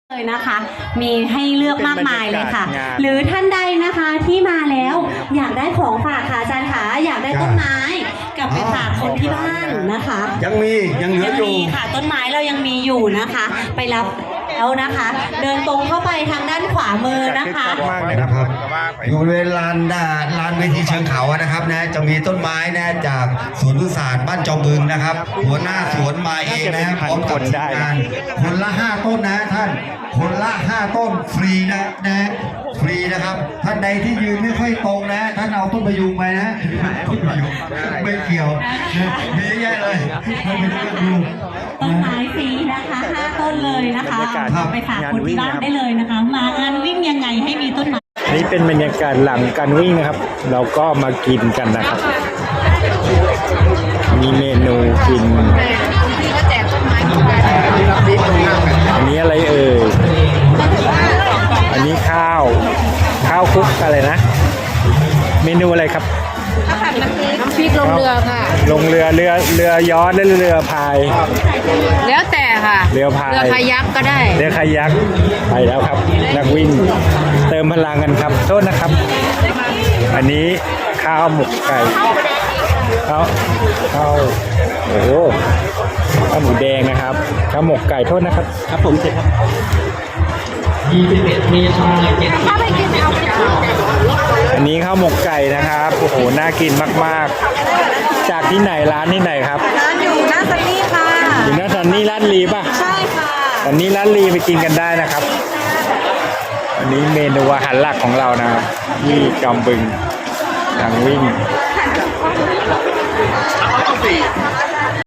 เลยนะคะมีให้เลือกมากมายเลยค่ะหรือท่านใดนะคะที่มาแล้วอยากได้ของฝากค่ะอาจารย์คะอยากได้ต้นไม้กลับไปฝากคนที่บ้านนะคะยังเหลืออยู่ค่ะต้นไม้เรายังมีอยู่นะคะไปรับแล้วนะคะเดินตรงเข้าไปทางด้านขวามือนะคะนะครับอยู่ในลานเวทีเชิงเขานะครับนะจะมีต้นไม้นะจากสวนพฤกษศาสตร์บ้านจอมบึงนะครับหัวหน้าสวนมาเองนะพร้อมกับทีมงานคนละ5ต้นนะท่านคนละ5ต้นฟรีนะฟรีนะครับท่านใดที่ยืนไม่ค่อยตรงนะท่านเอาต้นพยุงไปนะต้นพยุงไม่เกี่ยวมีเยอะเลยท่านไม่ต้องดูต้นไม้ฟรีนะคะ5ต้นเลยนะคะเอาไปฝากคนที่บ้านได้เลยนะคะมางานวิ่งยังไงให้มีต้นไม้นี่เป็นบรรยากาศหลังการวิ่งนะครับเราก็มากินกันนะครับมีเมนูกินอันนี้อะไรเอ่ยอันนี้ข้าวคลุกอะไรนะเมนูอะไรครับน้ำพริกลงเรือค่ะลงเรือย้อนหรือเรือพายแล้วแต่ค่ะเรือพายเรือคายักก็ได้เรือคายักไปแล้วครับนักวิ่งเติมพลังกันครับโทษนะครับอันนี้ข้าวหมกไก่ข้าวโอ้โหข้าวหมูแดงนะครับข้าวหมกไก่โทษนะครับครับผมเสร็จครับ21 เมษายนอันนี้ข้าวหมกไก่นะครับโอ้โหน่ากินมากๆจากที่ไหนร้านที่ไหนครับร้านอยู่หน้าซันนี่ค่ะอยู่หน้าซันนี่ร้านลีป่ะใช่ค่ะซันนี่ร้านลีไปกินกันได้นะครับอันนี้เมนูอาหารหลักของเรานะครับที่จอมบึงทางวิ่ง